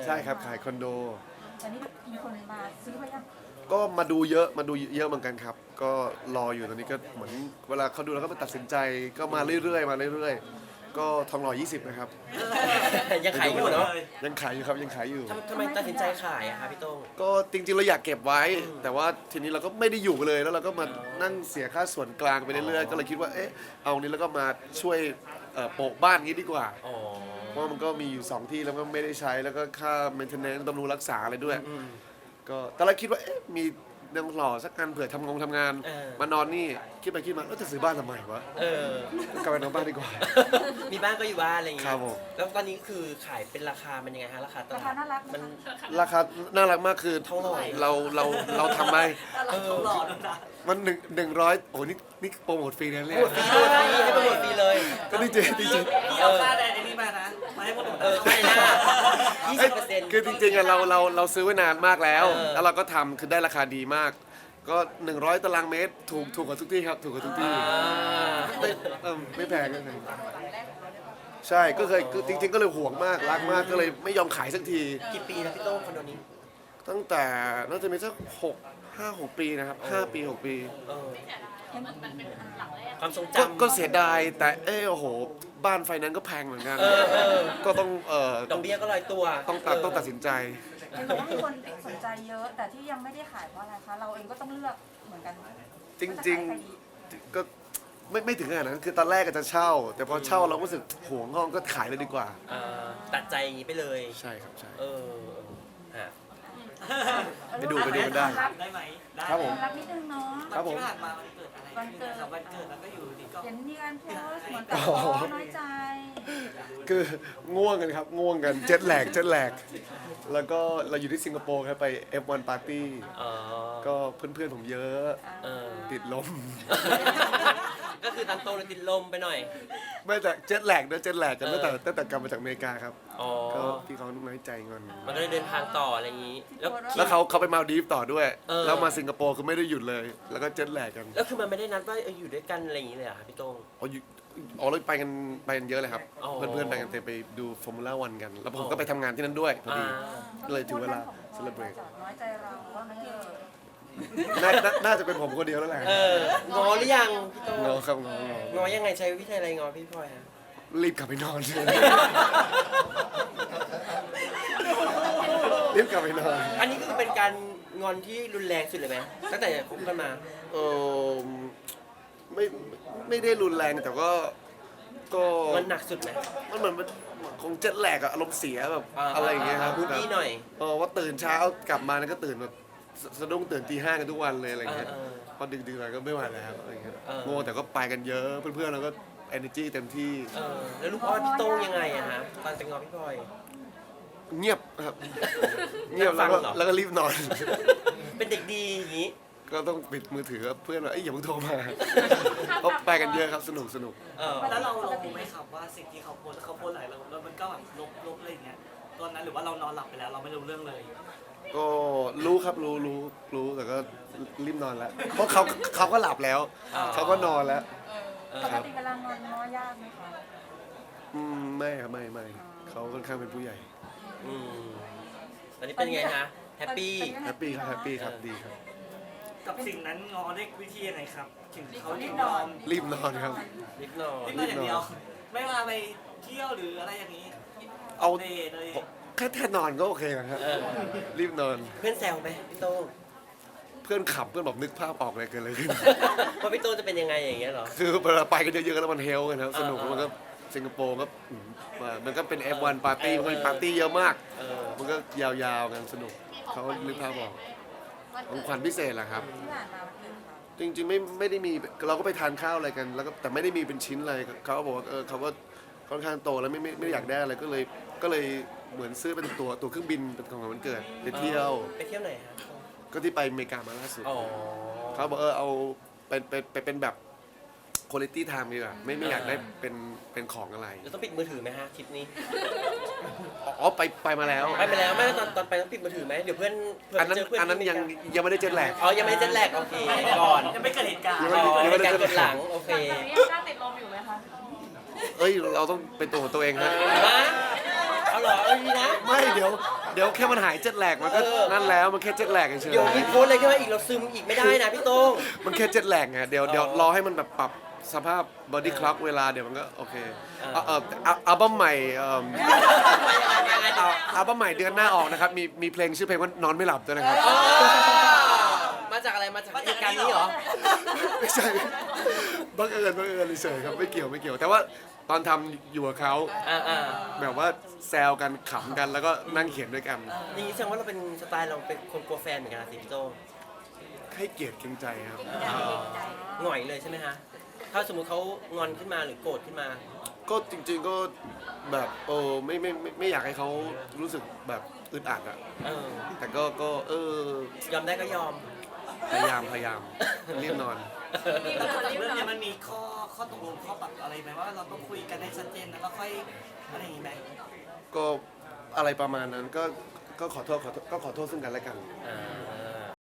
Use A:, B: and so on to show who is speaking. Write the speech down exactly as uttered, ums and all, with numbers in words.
A: ช่ครับขายคอนโด
B: ตอนนี้มีคนมาซื้อไปยัง
A: ก็มาดูเยอะมาดูเยอะเหมือนกันครับก็รออยู่ตอนนี้ก็เหมือนเวลาเขาดูแล้วก็มาตัดสินใจก็มาเรื่อยๆมาเรื่อยๆก็ทองหล่อยี่สิบนะครับ
C: ยังขายอยู่เนาะ
A: ยังขายอยู่ครับยังขายอยู่
C: ทำทำไมตัดสินใจขายอะคะพี่โต้ง
A: ก็จริงๆเราอยากเก็บไว้ แต่ว่าทีนี้เราก็ไม่ได้อยู่เลยแล้วเราก็มานั่งเสียค่าส่วนกลางไปเรื่อยๆก็เลยคิดว่าเอ๊ะเอานี้แล้วก็มาช่วยเอ่อโปะบ้านงี้ดีกว่า
C: อ๋อ
A: เพราะมันก็มีอยู่สองที่แล้วก็ไม่ได้ใช้แล้วก็ค่า maintenance บำรุงรักษาอะไรด้วย
C: อืม
A: ก็ตอนแรกคิดว่าเอ๊ะมีนางหล่อสักกันเผื่อทำงงทำงาน
C: เออ
A: มานอนนี่คิดไปคิดมาแล้วจะซื้อบ้านทำไมวะ
C: เออ
A: กลับไปนอนบ้านดีกว่า
C: มีบ้านก็อยู่บ้านอะไรอย่างเงี้
A: ครั
C: ย
A: บผม
C: แล้วตอนนี้คือขายเป็นราคามันยังไงฮะราคาต
B: รา
C: ลา
B: คา
C: ด
B: น่ารัก
C: มัน
A: ราคาน่ารักมากคือ
C: เท่าไหร่
A: เราเราเราทำไม
C: เออ
A: มันหนึ่งหนึ่งร้อยโอ้นี่นี่โปรโมทฟรีนะเนี่ย
C: หมดฟรีหมดฟรีให้มันหมดฟรีเลย
A: ก็ดีเจดีเจ
D: พี่เอาค่าแดนนี้มานะ มาให้พวกผม
C: เออไม่นะยี่สิบเปอร์เซ็นต์
A: คือจริงๆอะเราเราเราซื้อไว้นานมากแล้ว
C: เออ
A: แล้วเราก็ทำคือได้ราคาดีมาก ก็หนึ่งร้อยตารางเมตรถูกถูกกว่าทุกที่ครับถูกกว่าทุกที่
C: อ่า
A: ไม่เออไม่แพงไม่แพงใช่ก็เคยคือจริง ๆ ก็เลยห่วงมากรักมากก็เลยไม่ยอมขายสักที
C: กี่ปีแล้วพี่โต้งคอนโดนี้
A: ตั้งแต่น่าจะมีสักหกห้าหกปีนะครับห้าปีหกปี
C: เออความทรง
A: ก็
C: จำ
A: ก็เสียดายแต่เออโอ้โห บ้านไฟนั้นซ์ก็แพงเหมือนกัน
C: เออเออ
A: ก็ต้องเอ่อ
C: ดอกเบี้ยก็ลอยตัว
A: ต้องตัด
C: เ
A: ต้องตัดสินใจ
B: เห็นบอกว่ามีคนสนใจเยอะ แต่ที่ยังไม่ได้ขายเพราะอะไรคะ เราเองก็ต้องเลือกเหมือนกัน
A: จริงๆก็ไม่ไม่ถึงขนาดนั้นคือตอนแรกก็จะเช่า แต่พอเช่าเราก็รู้สึกห่วงห้องก็ขายเลยดีกว่า
C: อ่าตัดใจอย่างนี้ไปเลย
A: ใช่ครับใช่
C: เออฮะ
A: ไปดูไปดูกันได้
D: ได้ไหมได้
A: ครับผม
B: รักนิดนึงเนาะ
A: ครับผม
D: ที่ผ่านมาวันเกิดอะไรขึ้นนะครับวันเกิดแล้วก็อยู่ดีก็
B: เห็นมีการโพสต์เหมือนกับอ๋อน้อยใจ
A: คือง่วงกันครับง่วงกันเจ็ตแลกเจ็ตแลกแล้วก็เราอยู่ที่สิงคโปร์ครับไป เอฟ วัน Party
C: อ๋อ
A: ก็เพื่อนๆผมเยอะ
C: เออ
A: ติดลม
C: ก็คือตามโตเลยติดลมไปหน่อย
A: ไม่แต่เจ็ตแลกด้วยเจ็ตแลกกันตั้งแต่ตั้งแต่กลับมาจากอเมริกาครับ
C: อ๋อ
A: ก็พี่เขาน้อยใจงอน
C: มันก็เลยเดินทางต่ออะไรอย่างนี้ แล้ว
A: แล้วเขาเขาไปมาลดีฟต่อด้วย
C: เออ
A: แล้วมาสิงคโปร์คือไม่ได้หยุดเลย แล้วก็เจ็ตแลกกัน
C: แล้วคือมันไม่ได้นัดว่าเอออยู่ด้วยกันอะไรอย่างนี้เลยเหรอครับพี่โต้ง
A: อ๋ออยู่อ๋อเราไปกันไปกันเยอะเลยครับ
C: อ๋อ
A: เพื่อนๆไปกันเต็มไปดูฟอร์มูล่าวันกัน แล้วผม
C: อ๋อ
A: ก็ไปทำงานที่นั่นด้วยพอดี
C: อ่า
A: ก็เลยถึงเวลา celebrate
B: น้อยใจเราว่างั้นเถอะ
A: น่าน่าน่าจะเป็นผมคนเดียวแล้วแหละ
C: เอองอหรือยังพี่โต้ง
A: งอครับงององ
C: อยังไงใช้วิธีอะไรงอพี่พลอยฮะ
A: รีบกลับไปนอน รีบกลับไปนอน
C: อันนี้คือเป็นการงอนที่รุนแรงสุดเลยไหมตั้งแต่คบกันมา
A: เออไม่ไม่ได้รุนแรงแต่ก็ก็
C: มันหนักสุดไหม
A: มันเหมือนมันคงเจ็ตแลกอะอารมณ์เสียแบบ
C: อ่า
A: อะไรอย่างเงี้ยครับ
C: บูดดี้หน่อย
A: เออว่าตื่นเช้ากลับมาแล้วก็ตื่นแบบสสะดุ้งตื่นตีห้ากันทุกวันเลยอะไรเงี้ย
C: เออเออ
A: พอดึกๆหน่อยก็ไม่ไหวแล้วอะไรเงี้ย
C: เออ
A: โง่แต่ก็ไปกันเยอะเพื่อนๆเราก็ energy เต็มที่
C: เออแล้วลูกอ้อนพี่โต้งยังไงอะฮะตอนจะงอพี่พลอย
A: เงียบครับ เงียบแล้วก็
C: นั่งฟังเหรอ
A: แล้วก็รีบนอน
C: เป็นเด็กดีอย่างนี้
A: ก็ต้องปิดมือถือเพื่อนว่าเอ้ยอย่าเพิ่งโทรมาเพราะไปกันเยอะครับสนุกสนุก
C: เออ
D: แล้วเราเรารู้ไหมครับว่าสิ่งที่เขาโพสต์เขาโพสต์หลายเราแล้วมันก็แบบลบลบอะไรอย่างเงี้ยตอนนั้นหรือว่าเรานอนหลับไปแล้วเราไม่รู้เรื่องเลย
A: ก็รู้ครับรู้รู้รู้แต่ก็รีบนอนแล้ว เพราะเขาเขาก็หลับแล้ว
C: อ๋อ
A: เขาก็นอนแล้ว
C: เออ
B: ปกติเวลางอนง้อยากไหมคะ
A: อืมไม่ครับไม่ไม่เขาค่อนข้างเป็นผู้ใหญ่
C: อืมตอนนี้เป็นไงฮะแฮปปี้
A: แฮปปี้ครับแฮปปี้ครับดีครับ
D: กับสิ่งนั้นงอได้วิธียังไงครับ ถึงเขาถึงนอน
A: รีบนอนครับ
C: นิดหน่อย
D: ที่นอนอย่างเดียว ไม่ว่าไปเที่ยวหรืออะไรอย่างนี้
A: เอา
D: เดทเลย
A: แค่แค่นอนก็โอเคแล้วครับ
C: เออ
A: รีบนอน
C: เพื่อนแซวไหมพี่โต้ง
A: เพื่อนขับเพื่อนบอกนึกภาพออกเลยเกินเลยขึ้น
C: ว่าพี่โต้งจะเป็นยังไงอย่างเงี้ยเหรอ
A: คือเวลาไปกันเยอะๆแล้วมันเฮลกันครับสนุก
C: อ่า
A: แล้วมันก็สิงคโปร์ก็อืมมามันก็เป็น เอฟ วัน Party มันก็มีปาร์ตี้เยอะมาก
C: เออ
A: มันก็ยาวๆกันสนุกเขานึกภาพออกของขวัญพิเศษแหละครับ
B: ที่ผ่านมาวันเกิดเขา
A: จริงๆไม่ไม่ได้มีเราก็ไปทานข้าวอะไรกันแล้วก็แต่ไม่ได้มีเป็นชิ้นอะไรเขาก็บอกว่าเออเขาก็ค่อนข้างโตแล้วไม่ไม่ไม่ได้อยากได้อะไรก็เลยก็เลยเหมือนซื้อเป็นตัวตัวเครื่องบินเป็นของขวัญวันเกิดไปเที่ยว
C: ไปเที่ยวไหนฮะ
A: ก็ที่ไปอเมริกามาล่าสุด
C: อ๋อ
A: เขาบอกเออเอาเป็นเป็นเป็นเป็นแบบคุณภาพ time ดีกว่าไม่ไม่อยากได้เป็นเป็นของอะไร
C: จะต้องปิดมือถือไหมฮะทริปนี้
A: อ๋อไปไปมาแล้ว
C: ไปไปแล้วไม่ตอนตอนไปต้องปิดมือถือไหมเดี๋ยวเพื่อนเพื่
A: อันนั้น
C: เจอเพื่อน
A: อันนั้น
C: ที่
A: ยัง
C: อเมริกา
A: ยังไม่ได้เจ็ตแลก
C: อ๋อยังไม่ได้เจ็ตแลกโอเคก่อน
D: ยังไม่เกิดเหตุการณ์
A: ยัง
C: อ๋
A: ไม่
C: อในการกดหลังโอเค
B: ตอนนี้ยังกล้าติดลมอยู่ไหมคะ
A: เอ้ยเราต้องเป็นตัวของตัวเองฮะ
C: ฮะเอาเหรอเอาดีนะ
A: ไม่เดี๋ยวเดี๋ยวแค่มันหายเจ็ตแลกมันก็
C: เออ
A: นั่นแล้วมันแค่เจ็ตแลกเฉย
C: เดี๋ยวมีโพสต์อะไรขึ้นมาอีกเราซึมอีกไม่ได้นะพี่โต้ง
A: ๆมันแค่เจ็ตแลกไงเดี๋ยวเดี๋ยว
C: อ๋อ
A: รอให้มันแบบปรับสภาพบอดี้คล็อกเวลาเดี๋ยวมันก็โอเค
C: เออ
A: เออเอออัลบั้มใหม่เอิ่ม
C: ยังไงต่อ
A: อัลบั้มใหม่เดือนหน้าออกนะครับมีมีเพลงชื่อเพลงว่านอนไม่หลับด้วยนะครับ
C: อ๋อมาจากอะไรมาจากเหตุการณ์นี้เหรอ
A: ไม่ใช่บังเอิญบังเอิญเฉยๆครับไม่เกี่ยวไม่เกี่ยว แต่ว่าตอนทำอยู่กับเขา
C: อ่าอ่า
A: แบบว่าแซวกันขำกันแล้วก็นั่งเขียนด้วยกัน
C: อย่างนี้แสดงว่าเราเป็นสไตล์เราเป็นคนกลัวแฟนเหมือนกันนะสิพี่โต้ง
A: ให้เกียรติเกรงใจครับ
C: หน่อยเลยใช่ไหมฮะถ้าสมมุติเขางอนขึ้นมาหรือโกรธขึ้นมา
A: ก็จริงๆก็แบบโอ้ไม่ไม่ไม่ไม่อยากให้เขารู้สึกแบบอึดอัดอะ
C: เออ
A: แต่ก็ก็เออย
C: อมได้ก็ยอม
A: พยายามพยายามรีบนอน
D: แล้วจากเรื่องเนี้ยมันมีข้อข้อตกลงข้อปรับอะไรไหมว่าเราต้องคุยกันให้ชัดเจนนะแล้วค่อยอะไรอย่างงี้ไหม
A: ก็อะไรประมาณนั้นก็ก็ขอโทษขอโทษก็ขอโทษซึ่งกันและกัน
C: อ่า